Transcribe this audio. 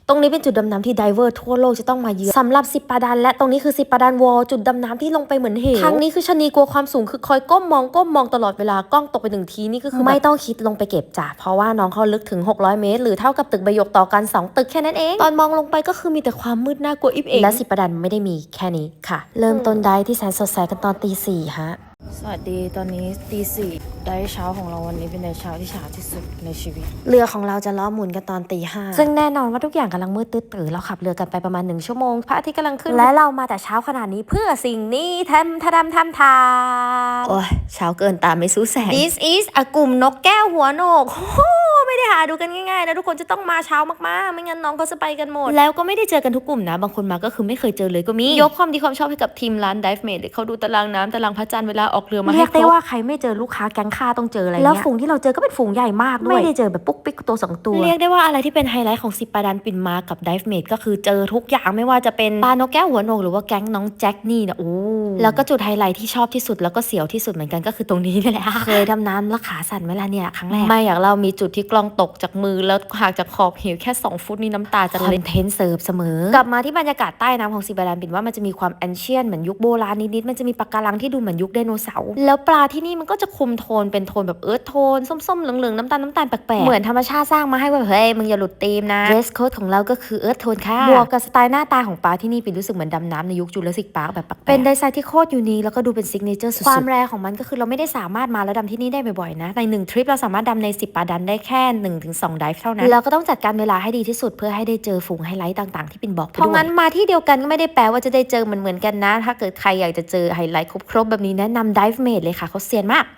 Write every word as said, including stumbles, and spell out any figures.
ตรงนี้เป็นจุดดำน้ำที่ไดเวอร์ทั่วโลกจะต้องมาเยือนสำหรับสิปาดันและตรงนี้คือสิปาดันวอลจุดดำน้ำที่ลงไปเหมือนเหวทางนี้คือชะนีกลัวความสูงคือคอยก้มมองก้มมองตลอดเวลากล้องตกไปหนึ่งทีนี่ก็คือไม่ต้องคิดลงไปเก็บจ้ะเพราะว่าน้องเขาลึกถึงหกร้อยเมตรหรือเท่ากับตึกใบหยกต่อกันสองตึกแค่นั้นเองตอนมองลงไปก็คือมีแต่ความมืดน่ากลัวอิบเองและสิปาดันไม่ได้มีแค่นี้ค่ะเริ่มต้นได้ที่แสนสดใสกันตอนตีสี่ฮะสวัสดีตอนนี้ตีสี่ได้เช้าของเราวันนี้เป็นได้เช้าที่ช้าที่สุดในชีวิตเรือของเราจะล้อหมุนกันตอนตีห้าซึ่งแน่นอนว่าทุกอย่างกำลังมืดตื้อตื่นเราขับเรือกันไปประมาณหนึ่งชั่วโมงพระอาทิตย์กำลังขึ้นและเรามาแต่เช้าขนาดนี้เพื่อสิ่งนี้ทำทำทำทำทำโอ้ยเช้าเกินตามไม่สู้แสง This is อะกลุ่มนกแก้วหัวโหนกไม่ได้หาดูกันง่ายๆนะทุกคนจะต้องมาเช้ามากๆไม่งั้นน้องเขาจะไปกันหมดแล้วก็ไม่ได้เจอกันทุกกลุ่มนะบางคนมาก็คือไม่เคยเจอเลยก็มียกความดีความชอบให้กับทีมร้าน Dive Mate เขาดูตารางน้ำตารางพระจันทร์เวลาออกเรือมาให้ครบเรียกได้ว่าใครไม่เจอลูกค้าแก๊งค่าต้องเจออะไรเงี้ยแล้วฝูงที่เราเจอก็เป็นฝูงใหญ่มากด้วยไม่ได้เจอแบบปุ๊กปิ๊กตัวสองตัวเรียกได้ว่าอะไรที่เป็นไฮไลท์ของสิปาดันปินมากับ Dive Mate ก็คือเจอทุกอย่างไม่ว่าจะเป็นปลานกแก้วหัวโหนกหรือว่าแก๊งน้องแจ็คนี่นะโอ้แล้วก็จุดไฮไลท์ที่ชอบที่สุดแล้วก็เสียวที่สุดเหมือนกันก็คือตรงนี้นี่แหละเคยดำน้ำแล้วขาสั่นเวลาเนี่ยครั้งแรกไม่อยากเรามีจุดที่กล้องตกจากมือแล้วห่างจากขอบเหวแค่สองฟุตนี่น้ำตาจะเล่นเทนเซิร์ฟเสมอกลับมาที่บรรยากาศใต้น้ำของสิปาดันปินว่ามันจะมีความแอนเชียนเหมือนยุคโบราณนิดๆมันจะมีปะการังที่ดูเหมือนยุคไดโนเสาร์แล้วปลาที่นี่มันก็จะคุมโทนเป็นโทนแบบเอิร์ธโทนส้มๆเหลืองๆน้ำตาลน้ำตาลแปลกๆเหมือนธรรมชาติสร้างมาให้ว่าเฮ้ยมึงอย่าหลุดธีมนะเดรสโค้ดของเราก็คือเอิร์ธโทนค่ะบวกกับสไตล์หน้าตาของปลาที่นี่ปินรู้สึกเหมือนดำน้ำในยุคจูราสสิกพาร์คแบบแปลกๆเป็นดีไซน์ที่โคตรยูนิคแล้วก็ดูเป็นซิกเนเจอร์สุดๆความแรของมันก็คือเราไม่ได้สามารถมาแล้วดำที่นี่ได้บ่อยๆนะในหนึ่งทริปเราสามารถดำในสิปาดันได้แค่ หนึ่งถึงสอง ไดฟ์เท่านั้นแล้วก็ต้องจัดการเวลาให้ดีที่สุดเพื่อให้ได้เจอฝูงไฮไลท์ต่างๆที่ปินบอกไปด้วยเพราะงั้นมาที่เดียวกันก็ไม่ได้แปลว่าจะได้เจอเหมือนๆกันนะถ้าเกิดใครอยากจะเจอไฮไลท์ครบๆแบบนี้แนะนำ Dive Mate เลยค่ะเขาเซียนมาก